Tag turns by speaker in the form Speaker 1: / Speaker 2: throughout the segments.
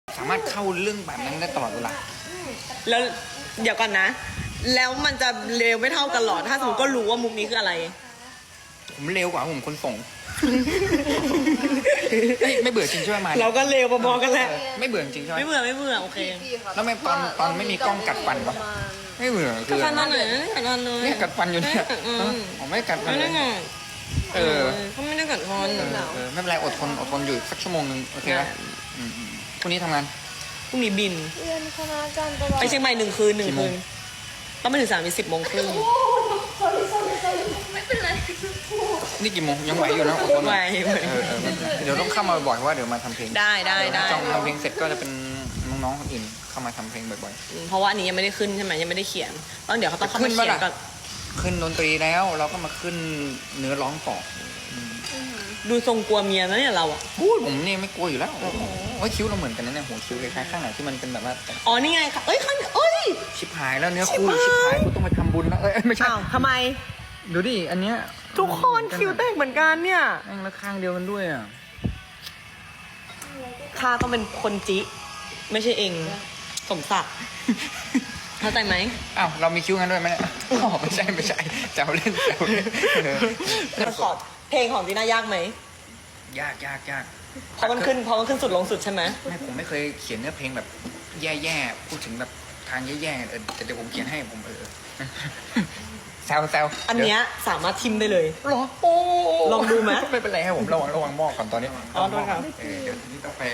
Speaker 1: สามารถเข้าเรื่องแบบนั้นได้ตลอดเวลา
Speaker 2: แล้วเดี๋ยวก่อนนะ แล้วมันจะเร็วไม่เท่ากันหรอถ้าสมมติก็รู้ว่ามุกนี้คืออะไร
Speaker 1: ผมเร็วกว่าผมคนส่ง ไม่เบื่อจริงใช่ไหมมา
Speaker 2: เราก็เร็วพอๆกันแหละ
Speaker 1: ไม่เบื่อจริงใช่ไหม
Speaker 2: ไม่เบื่อโอเค
Speaker 1: แล้วไม่ตอนไม่มีกล้องกัดฟันปะไม่เบื่อ
Speaker 2: กัดฟันตอนไหนกัดฟันเลย
Speaker 1: เนี่ยกัดฟันอยู่เนี่ยผมไม่กัดฟัน
Speaker 2: ไม่
Speaker 1: เล
Speaker 2: ได้
Speaker 1: ย
Speaker 2: ไง
Speaker 1: เออ
Speaker 2: เขาไม่ได้กัดฟัน
Speaker 1: ไม่เป็นไรอดทนอยู่สักชั่วโมงนึงโอเคไหมพรุ่งนี้ทำงาน
Speaker 2: พรุ่งนี้บิน
Speaker 3: เรียนคณะจันทร์ตลอด
Speaker 2: ไปเชียงใหม่1 คืน
Speaker 1: กี่โมง
Speaker 2: ต้องไปถึงสาม10 โมงครึ่ง
Speaker 3: ไม่เป็นไร
Speaker 1: นี่กี่โมงยังไหวอยู่นะอดทน
Speaker 2: ไหว
Speaker 1: ไม่เป็นไรเดี๋ยวต้องเข้ามาบ่อยๆเพราะว่าเดี๋ยวมาทำเพลง
Speaker 2: ได้
Speaker 1: จองทำเพลงเสร็จก็จะเป็นน้องๆคนอื่นเข้ามาทำเพลงบ่อย
Speaker 2: เพราะว่าอันนี้ยังไม่ได้ขึ้นใช่ไหมยังไม่ได้เขียนต้องเดี๋ยวเขาต้องเข้ามา
Speaker 1: ขึ้น
Speaker 2: เขียน
Speaker 1: ปะล่ะ
Speaker 2: ก่อน
Speaker 1: ๆขึ้นดนตรีแล้วเราก็มาขึ้นเนื้อร้องต่อ
Speaker 2: ดูทรงกลัวเมียนะเนี่ยเราอ่ะ
Speaker 1: พูดผมนี่ไม่กลัวอยู่แล้วโอ้ยคิ้วเราเหมือนกันนะเนี่ยหัวคิ้วคล้ายๆข้างไหนที่มันเป็นแบบว่า
Speaker 2: อ๋อนี่ไงค่ะเอ้ยเอ้ย
Speaker 1: ชิบหายแล้วเนื้อคู่ชิบหายกูต้องไปทำบุญแล้วไม่ใช่
Speaker 2: อ้าวทำไม
Speaker 1: ดูดิอันเนี้ย
Speaker 2: ทุกคนคิวแตกเหมือนกันเนี่ย
Speaker 1: แม่งแล้วข้างเดียวกันด้วยอ่ะ
Speaker 2: ข้าต้องเป็นคนจิไม่ใช่เองสมศักดิ์เข้าใจไหม
Speaker 1: อ้าวเรามีคิ้วกันด้วยไหมเนี่ยอ๋อไม่ใช่แซวเล่น
Speaker 2: มันขอเพลงของจีน่ายากไหม
Speaker 1: ยาก
Speaker 2: เพราะมันขึ้นสุดลงสุดใช่ไหม
Speaker 1: ไม่ผมไม่เคยเขียนเนื้อเพลงแบบแย่ๆพูดถึงแบบทางแย่ๆแต่เดี๋ยวผมเขียนให้ผมแซว
Speaker 2: อันเนี้ยสามารถทิมได้เลย
Speaker 1: หรอโอ้
Speaker 2: ลองดูไหม
Speaker 1: ไม่เป็นไรให้ผมระวังหม้อก่อนตอนนี้
Speaker 2: อ๋อโทษครับ
Speaker 1: เดี๋ยวนี้ต้องไป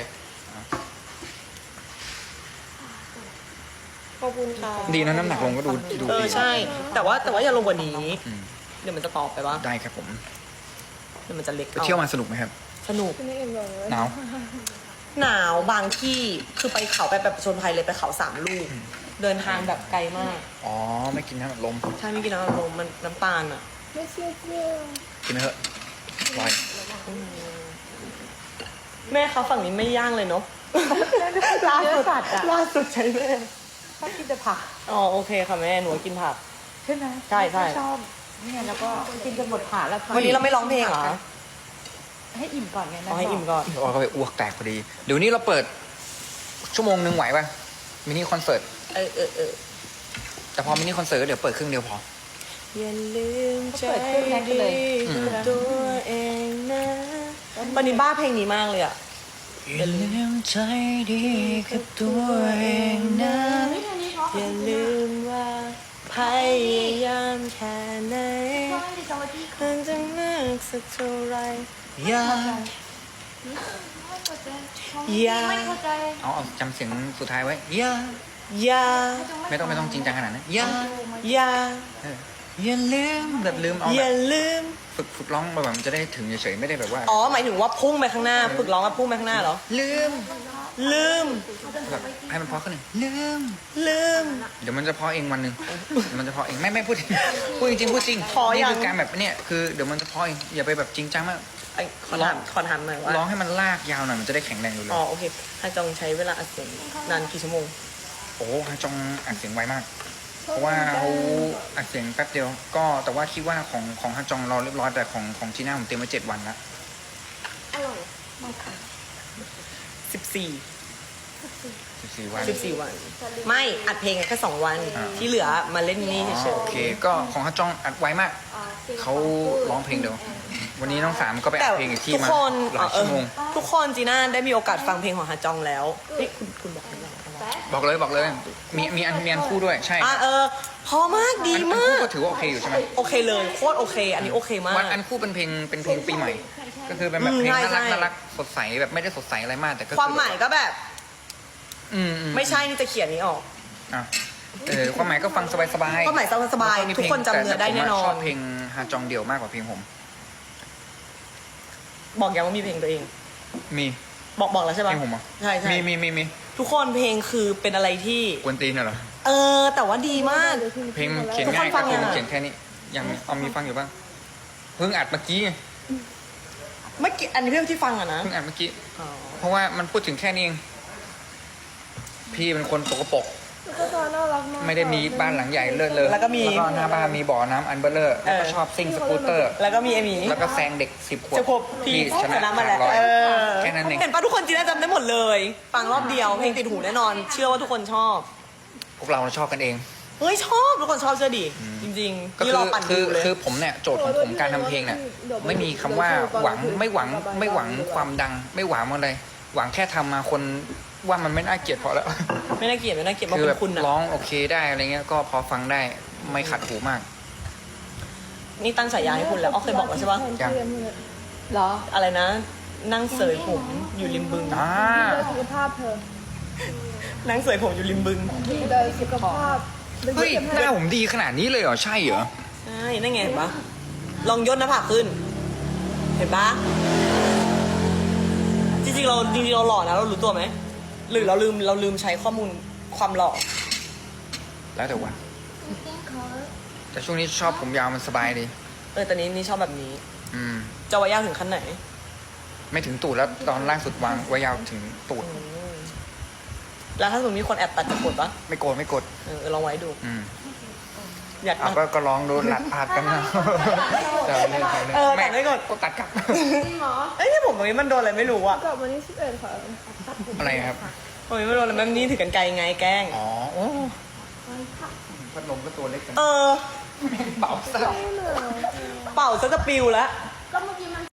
Speaker 2: ขอบคุณค่ะ
Speaker 1: ดีนะน้ำหนักลงก็ดูดี
Speaker 2: ใช่ แต่ว่าอย่าลงกว่านี้ เดี๋ยวมันจะตอบไปว่า
Speaker 1: ได้ครับผม
Speaker 2: เดี๋ยวมันจะเล็ก
Speaker 1: ไปเที่ยวมาสนุกไหมครับ
Speaker 2: สนุก
Speaker 3: ไม่เอ็มเลย
Speaker 1: หนาว
Speaker 2: หนาวบางที่คือไปเขาไปแบบประชนภัยเลยไปเขา3 ลูก เดินทางแบบไกลมาก
Speaker 1: อ๋อไม่กินน้ำอัดลม
Speaker 2: ใช่ไม่กินน้ำอัดลมมันน้ำตาลอ่ะ
Speaker 3: ไม่เชื่อ
Speaker 1: กินเถอะอร่อย
Speaker 2: แม่เขาฝั่งนี้ไม่ย่างเลยเนาะ
Speaker 3: ล่าสุดอะ
Speaker 2: ล่าสุดใช่แม่
Speaker 3: ชอบกินแต่ผัก
Speaker 2: อ๋อโอเคค่ะแม่หนูกินผัก
Speaker 3: ใช่ไหม
Speaker 2: ใช่
Speaker 3: ชอบเนี่ยแล้วก็กินจนหมดผักแล้ว
Speaker 2: วันนี้เราไม่ร้องเพลงเหรอ
Speaker 3: ให้อิ่มก่อนไงนะ
Speaker 2: เอาให้อิ่มก่อน
Speaker 1: อ๋อก็ไปอ้วกแตกพอดี เดี๋ยวนี้เราเปิดชั่วโมงนึงไหวป่ะมินิคอนเสิร์ต
Speaker 2: เออ
Speaker 1: แต่พอมินิคอนเสิร์ตเดี๋ยวเปิดครึ่งเดียวพอ
Speaker 2: อย่าลืมใจดีกับตัวเองนะวันนี้บ้าเพลงนี้มากเลยอ่ะ
Speaker 1: อย่าลืมใจดีกับตัวเองนะ
Speaker 2: อย่าลืมว่าพยายามแค่ไหนมันจะมากสักเท่าไร
Speaker 1: อย่า
Speaker 2: อย่า
Speaker 3: ไม่เข้าใจ
Speaker 1: เอาจำเสียงสุดท้ายไว้อย่า
Speaker 2: อย่า
Speaker 1: ไม่ต้องจริงจังขนาดนั้นอย่า
Speaker 2: อย่า
Speaker 1: อย่าลืมแบบลืมเอา
Speaker 2: อ
Speaker 1: แบ
Speaker 2: ย่า
Speaker 1: บ
Speaker 2: ลืม
Speaker 1: ฝึกร้องแบบมันจะได้ถึงเฉยๆไม่ได้แบบว่า
Speaker 2: อ๋อหมายถึงว่าพุ่งไปข้างหน้าฝึกร้องกับพุ่งไปข้างหน้าเหรอ
Speaker 1: ลืม
Speaker 2: ลืม
Speaker 1: แบบให้มันเพอขึ้นหนึ่งลืม
Speaker 2: ลืม
Speaker 1: เดี๋ยวมันจะเพอเองวันหนึ่งมันจะเพอเองไม่พูดพูดจริงพูดจริง
Speaker 2: พอยัง
Speaker 1: นี่คือการแบบเนี่ยคือเดี๋ยวมันจะเพอเองอย่าไปแบบจริงจังมาก
Speaker 2: ไอ้ขอถามหน่อยว่า
Speaker 1: ร้องให้มันลากยาวหน่อยมันจะได้แข็งแรงอยู่เลย
Speaker 2: อ๋อโอเคฮาจองใช้เวลาอัดเสียงนานกี่ชั่วโมง
Speaker 1: โอ้ฮาจองอัดเสียงไวมาก เพราะว่าเขาอัดเสียงแป๊บเดียว ก็แต่ว่าคิดว่าของฮาจองเราเรียบร้อยแต่ของจีน่าผมเตรียมไว้7 วันละ
Speaker 3: อร่อยมากค่ะ
Speaker 2: 14
Speaker 1: 14 วัน
Speaker 2: 14 วัน ไม่อัดเพลงแค่2 วัน
Speaker 1: อ่า
Speaker 2: ที่เหลือมาเล่นนี่
Speaker 1: อ๋อ
Speaker 2: เฉย
Speaker 1: โอเค ก็ของฮาจองอัดไวมาก เขาร้องเพลงเดียว วันนี้น้องสามก็ไป
Speaker 2: ๆแต่
Speaker 1: อัดเพลงอีกที่
Speaker 2: ทุก
Speaker 1: มา
Speaker 2: คน
Speaker 1: หลายชั่วโมง
Speaker 2: ทุกคนจีน่าได้มีโอกาสฟังเพลงของฮาจองแล้วนี่คุณบอกหรือยัง
Speaker 1: บอกเลย มีอันคู่ด้วยใช่
Speaker 2: พอมากดี
Speaker 1: อัน
Speaker 2: มา
Speaker 1: คู่
Speaker 2: ก
Speaker 1: ก็ถือว่าโอเคอยู่ใช่ไหม
Speaker 2: โอเคเลยโคตรโอเค อันนี้โอเคมาก
Speaker 1: วันอันคู่เป็นเพลงปีใหม่ ก็คือเป็นแบบเพลงน่ารักสดใสแบบไม่ได้สดใสอะไรมากแต่ก็
Speaker 2: ความหมายก็แบบ
Speaker 1: อืม
Speaker 2: ไม่ใช่นี่จะเขียนนี้ออก
Speaker 1: อ่ะความหมายก็ฟังสบายๆ
Speaker 2: ความหมายสบายๆ
Speaker 1: แล้วมี
Speaker 2: ทุกคนจำเนื้อได้แน่นอน
Speaker 1: ชอบเพลงฮาจองเดี่ยวมากกว่าเพลงผม
Speaker 2: บอกยังว่ามีเพลงตัวเอง
Speaker 1: มี
Speaker 2: บอกแล้วใช่
Speaker 1: เพ
Speaker 2: ปะ
Speaker 1: ลงผมเหรอ
Speaker 2: ใช่ใช่
Speaker 1: มี
Speaker 2: ทุกคนเพลงคือเป็นอะไรที่
Speaker 1: กวนตีนเหรอ
Speaker 2: แต่ว่าดีมาก
Speaker 1: เพลงเขียน
Speaker 2: ทุกคน
Speaker 1: ง่าย
Speaker 2: ฟั
Speaker 1: ก็
Speaker 2: ง
Speaker 1: คือ
Speaker 2: ยังอะ
Speaker 1: เขียนแค่นี้ยังเอามีฟังอยู่บ้างเพิ่งอัดเมื่อกี้ไง
Speaker 2: เมื่อกี้อันนี้เรื่องที่ฟังอะนะ
Speaker 1: เพิ่งอัดเมื่อกี้
Speaker 2: อ๋อ
Speaker 1: เพราะว่ามันพูดถึงแค่นี้เองพี่เป็นคนปกปรก
Speaker 2: ก็ตอนน่ารักมาก
Speaker 1: ไม่ได้มีบ้านหลังใหญ่เลิศเลย
Speaker 2: แล้วก็มี
Speaker 1: หน้าบ้านมีบ่อน้ำอันเบลเลอร์แล้วก็ชอบซิ่งสกูตเตอร์
Speaker 2: แล้วก็มีเอมี่
Speaker 1: แล้วก็แซงเด็ก10 ขวบ
Speaker 2: จะครบที่
Speaker 1: ช
Speaker 2: ช
Speaker 1: นะ
Speaker 2: นะมาแล้ว
Speaker 1: ร้อย
Speaker 2: เออ
Speaker 1: แค่นั้นเอง
Speaker 2: เห็นปะทุกคนจีน่าจำได้หมดเลย ฟังรอบเดียวเพลงติดหูแน่นอน เชื่อว่าทุกคนชอบ
Speaker 1: พวกเราชอบกันเอง
Speaker 2: เฮ้ยชอบทุกคนชอบเชื่อดิจริงๆ
Speaker 1: ก็
Speaker 2: นี่
Speaker 1: คื
Speaker 2: รอ
Speaker 1: อ
Speaker 2: ปั่น
Speaker 1: คื
Speaker 2: ดู
Speaker 1: อ
Speaker 2: เลย
Speaker 1: คือผมเนี่ยโจทย์ของผมการทำเพลงเนี่ยไม่มีคำว่าหวังไม่หวังความดัง ไม่หวังอะไรหวังแค่ทำมาคนว่ามันไม่น่าเกลียดพอแล้ว
Speaker 2: ไม่น่าเกลียดไม่น่าเกลียดมา
Speaker 1: คือ
Speaker 2: เป็
Speaker 1: แบบ
Speaker 2: นคุณอะ
Speaker 1: ร้องโอเคได้อะไรเงี้ยก็พอฟังได้ไม่ขัดหูมาก
Speaker 2: นี่ตั้งฉายาให้คุณแล้วอ๋อเคยบอกแล้วใช่ปะ
Speaker 1: ยัง
Speaker 3: เหรอ
Speaker 2: อะไรนะ นั่งเสยผมอยู่ริมบึง
Speaker 1: อ่า
Speaker 4: สุขภาพเธอ
Speaker 2: นั่งเสยผมอยู่ริมบึง
Speaker 4: ดีเลยสุขภาพ
Speaker 1: เฮ้ยหน้าผมดีขนาดนี้เลยเหรอใช่เหรอ
Speaker 2: ใช่นั่นไงเห็นปะลองย่นหน้าผากขึ้น เห็นปะจริงๆเราหล่อนะเรารู้ตัวไหมหรือเราลืมใช้ข้อมูลความหล่อ
Speaker 1: แล้วแต่วันแต่ช่วงนี้ชอบผมยาวมันสบายดี
Speaker 2: ตอนนี้นี่ชอบแบบนี้
Speaker 1: อืม
Speaker 2: จะไว้ยาวถึงขั้นไหน
Speaker 1: ไม่ถึงตูดแล้วตอนล่างสุดวางไว้ยาวถึงตูด
Speaker 2: แล้วถ้าสมมติมีคนแอบตัดจะกดปะ
Speaker 1: ไม่โกรธไม่กด
Speaker 2: ลองไว้ดู
Speaker 1: อืม
Speaker 2: อยาก
Speaker 1: อ่ะ
Speaker 2: ตัด
Speaker 1: ก็ลองดูหลัดพาดกันนะแต่เล่น
Speaker 2: ตัดไม่กด
Speaker 1: ก็ตัดกลับ
Speaker 4: จริงเหรอ
Speaker 2: เอ้ยผมตรงนี้มันโดนอะไรไม่รู้อะ
Speaker 4: กลับวันที่11ค่ะ
Speaker 1: อะไรครับ
Speaker 2: ตรงนี้มันโดนอะไรแบบนี้ถือกันไกลไงแกล้ง
Speaker 1: อ๋อโอ้พัดลมก็ตัวเล็กกัน
Speaker 2: เออ
Speaker 1: เบาซะ
Speaker 2: เป่าซะจะปิวแล้ว
Speaker 1: อ